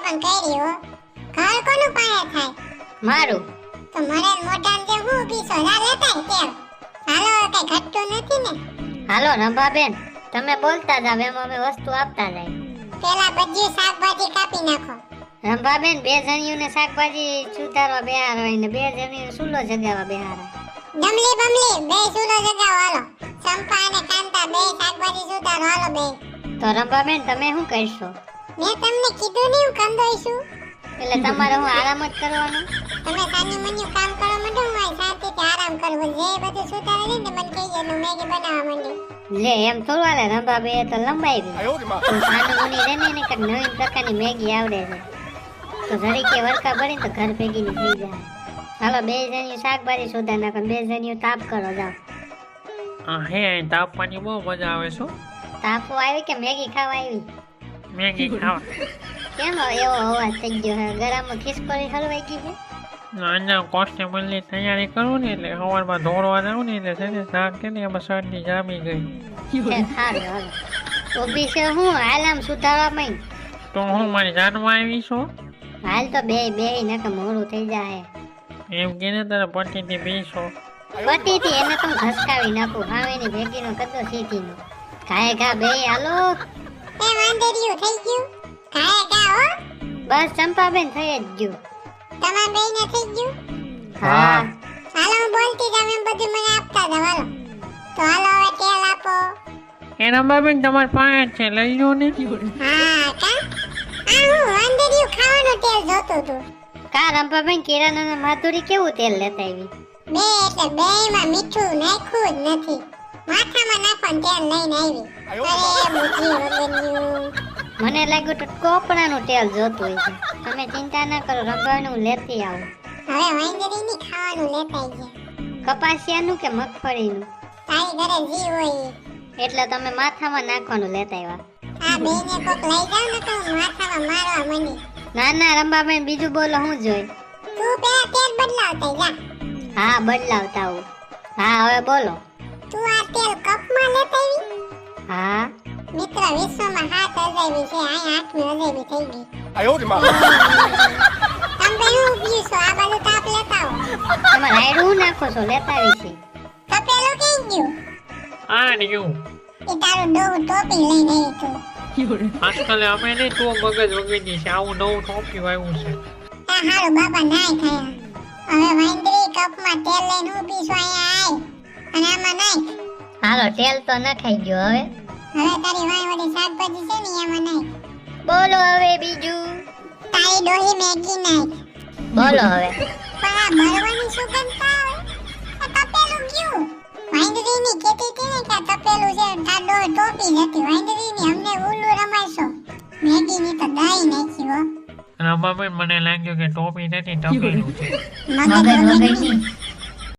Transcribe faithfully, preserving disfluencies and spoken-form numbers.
પણ કરી હો. ઘર કોનું પાસે થાય? મારું. તો મરે મોઢામ જે હું પીસો રા લેતા તેલ. હાલો કઈ ઘટતું નથી ને. હાલો રંભાબેન, તમે બોલતા જાવ એમ અમે વસ્તુ આપતા જાય. પેલા બધું શાકભાજી કાપી નાખો. રંભાબેન, બે જણીઓને શાકભાજી સુધારવા બેહાર હોય ને બે જણીઓ સુલો જગાવવા બેહાર હોય. ડમલી બમલી બે સુલો જગાવો હાલો. ચંપા અને કાંતા બે શાકભાજી સુધારો હાલો બે. તો રંભાબેન તમે શું કરશો? મેં તમને કીધું નહીં હું કંદોઈશું. એટલે તમારે હું આરામ જ કરવાનો? તમે સાની મન્યું કામ કરો મંડો હું અહીં શાંતિથી આરામ કરવો. જે બધું સુધારે ને મને કહી દે હું મેગી બનાવવા માંડી. લે એમ થોડું હાલે રંભાબે તો લંબાઈ ગઈ. તો સાનું મુની રે ને કંઈક નવીન પ્રકારની મેગી આવડે છે તો જરીકે વરકા ભરીને તો ઘર ભેગીની થઈ જાય. હાલો બે જણીઓ શાકભાજી સુધાર નાખો, બે જણીઓ તાપ કરો જાઓ. આ હે તાપવાની બહુ મજા આવે છે. તાપો આવી કે મેગી ખાવા આવી? મેગી ખાવા. કેમ એવો અવાજ થઈ ગયો હે? ગળામાં ખિસકોલી હલવાઈ ગઈ છે? ના કોન્સ્ટેબલની તૈયારી કરું ને એટલે સવારમાં દોડવા જાઉં ને એટલે છે ને શાક કે ને એમાં શરદી જામી ગઈ. સારું હાલો ઊભી છે હું હાલામ સુધારવા માંડ. તો હું મારી જાનમાં આવી છું. હાલ તો બે બે નકર મોડું થઈ જાય. એમ કે ને તારા પતિથી બેસો. પતિથી એને તો ઘસકાવી નાખું હાવેની ભેગીનો કદો સીધીનો. ઘાય ઘા બે હાલો. એ વાંદરિયું થઈ ગયું. કાય કા હો. બસ ચંપાબેન થઈ જ ગયું. તમાર બેયને થઈ ગયું. હા હાલો હું બોલતી જામ એમ બધું મને આપતા જાવ હાલો. તો હાલો હવે તેલ આપો. એ રંભાબેન તમારી પાસે જ છે લઈ લો ને. હા કા આ હું વાંદરિયું ખાવાનું તેલ જોતું હતું. કા રંભાબેન કિરાના માધુરી કેવું તેલ લેતા આવી? બે એટલે બેયમાં મીઠું નાખ્યું જ નથી. માથામાં નાખવાનું તેલ લઈને આવી. અરે બુદ્ધિ વગરનું. મને લાગ્યું તો કોપરાનું તેલ જોતું હોય છે. તમે ચિંતા ના કરો રંભાબેન હું લેતી આવું. હવે વાંદરીની ખાવાનું લેતા ગયા. કપાસિયાનું કે મગફળીનું? તારી ઘરે જી હોય ઈ. એટલે તમે માથામાં નાખવાનું લેતા આવ્યા. આ બેયને કોક લઈ જાવ ને તો હું માથામાં મારવા માંડી. ના ના રંભાબેન બીજું બોલો હું જોઈ. તું પેલા તેલ બદલાવતા જા. હા બદલાવતા આવું. હા હવે બોલો. તું આ તેલ કપમાં લેતા આવી. હા મિત્ર વિશ્વમાં હાથ અજાયબી છે અહીં આઠમી અજાયબી થઈ ગઈ. 哎呦我的妈！ તમે હું પીશો આ બાજુ તાપ લેતા આવો. તમે રાયડું નાખો છો લેતા આવી છે. તપેલું કઈ ગયું. આ રહ્યું. એ તારું ડોહું ટોપી લઈને આવી તું. આજકાલ અમે નહીં તો મગજ વગેરે છે આવું નવું ટોપિયું આવ્યું છે. આ હારું બાપા નાય ખાયા. હવે વાંદરી કપમાં તેલ લઈને હું પીશો અહીંયા આય અને આમાં નાખ. હાલો તેલ તો નખાઈ ગયો હવે. હવે તારી વાય વળી શાકભાજી છે ને એમાં નાખ. બોલો હવે બીજું. તારી ડોહી મેગી નાખ. બોલો હવે. પણ આ મરવાની સુગંધ તો આવે. આ તપેલું ગયું. વાંદરીની ખેતી હતી ને કે આ તપેલું છે તાર ડોહી ટોપી નથી. વાંદરીની અમને ઉલ્લુ રમાડશો. મેગીની તો દહીં નાખી હો. રંભાબેન મને લાગ્યું કે ટોપી નથી ટપેલું છે. મગજ વગરની.